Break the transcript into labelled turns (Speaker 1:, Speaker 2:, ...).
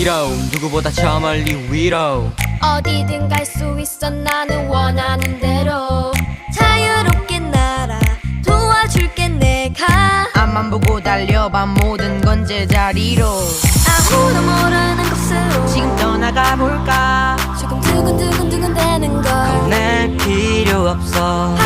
Speaker 1: 위로 누구보다 저 멀리 위로
Speaker 2: 어디든 갈 수 있어 나는 원하는 대로 자유롭게 날아 도와줄게 내가
Speaker 3: 앞만 보고 달려봐 모든 건 제자리로
Speaker 2: 아무도 모르는 곳으로
Speaker 3: 지금 떠나가 볼까
Speaker 2: 조금 두근두근두근 되는 걸
Speaker 1: 날 필요 없어